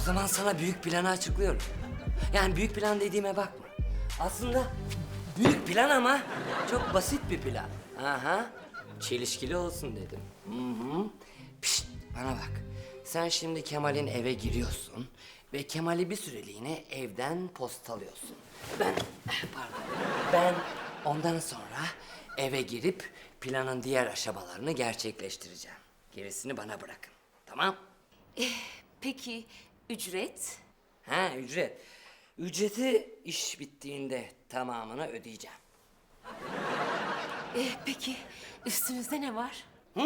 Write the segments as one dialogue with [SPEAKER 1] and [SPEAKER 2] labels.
[SPEAKER 1] zaman sana büyük planı açıklıyorum. Yani büyük plan dediğime bakma. Aslında büyük plan ama çok basit bir plan. Aha. Çelişkili olsun dedim. Hı. Pişt, bana bak. Sen şimdi Kemal'in eve giriyorsun ve Kemal'i bir süreliğine evden postalıyorsun. Ben ondan sonra eve girip planın diğer aşamalarını gerçekleştireceğim. Gerisini bana bırakın. Tamam?
[SPEAKER 2] Peki ücret?
[SPEAKER 1] Ha, ücret. Ücreti iş bittiğinde tamamını ödeyeceğim.
[SPEAKER 2] Peki üstünüzde ne var?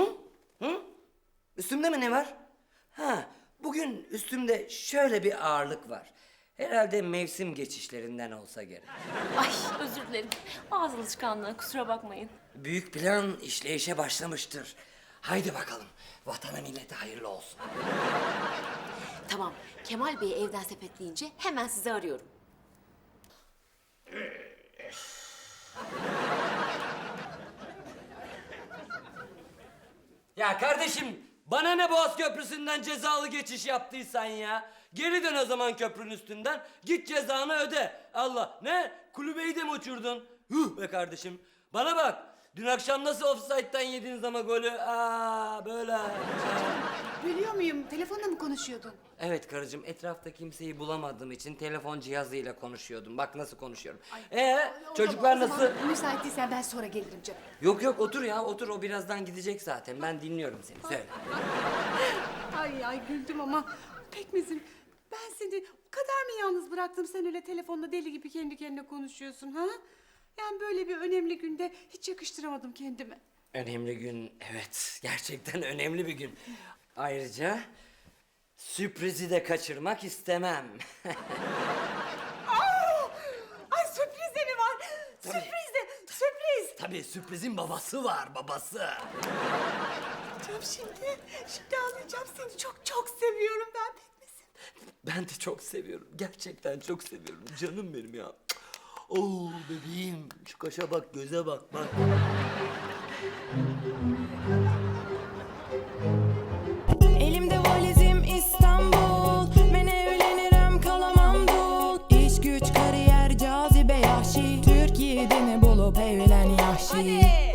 [SPEAKER 1] Üstümde mi ne var? Ha, bugün üstümde şöyle bir ağırlık var. Herhalde mevsim geçişlerinden olsa gerek.
[SPEAKER 2] Ay özür dilerim. Ağız alışkanlığı, kusura bakmayın.
[SPEAKER 1] Büyük plan işleyişe başlamıştır. Haydi bakalım, vatana millete hayırlı olsun.
[SPEAKER 2] Tamam, Kemal Bey'i evden sepetleyince hemen sizi arıyorum.
[SPEAKER 1] Ya kardeşim, bana ne Boğaz Köprüsü'nden cezalı geçiş yaptıysan ya. Geri dön o zaman köprünün üstünden, git cezanı öde. Allah, ne? Kulübeyi de mi uçurdun? Huh be kardeşim. Bana bak, dün akşam nasıl offside'den yediniz ama golü? Böyle.
[SPEAKER 3] Biliyor muyum? Telefonla mı konuşuyordun?
[SPEAKER 1] Evet karıcığım, etrafta kimseyi bulamadığım için telefon cihazıyla konuşuyordum. Bak nasıl konuşuyorum. Çocuklar
[SPEAKER 3] O zaman
[SPEAKER 1] nasıl?
[SPEAKER 3] müsait değilsen ben sonra gelirim canım.
[SPEAKER 1] Yok otur ya, otur. O birazdan gidecek zaten. Ben dinliyorum seni, söyle.
[SPEAKER 3] Ay güldüm ama Pekmez'im ben seni o kadar mı yalnız bıraktım, sen öyle telefonla deli gibi kendi kendine konuşuyorsun ha? Yani böyle bir önemli günde hiç yakıştıramadım kendime.
[SPEAKER 1] Önemli gün, evet. Gerçekten önemli bir gün. Ayrıca sürprizi de kaçırmak istemem.
[SPEAKER 3] Ay sürpriz de mi var? Sürpriz.
[SPEAKER 1] Tabii sürprizin babası var, babası.
[SPEAKER 3] Canım şimdi ağlayacağım, seni çok seviyorum ben Pekmez'im.
[SPEAKER 1] Ben de çok seviyorum. Gerçekten çok seviyorum. Canım benim ya. Oo bebeğim. Şu kaşa bak, göze bak, bak.
[SPEAKER 4] Elimde valizim İstanbul. Ben evlenirim kalamam dul. İş güç kariyer cazibe yahşi. Türkiye'de ne bulup evlen yahşi.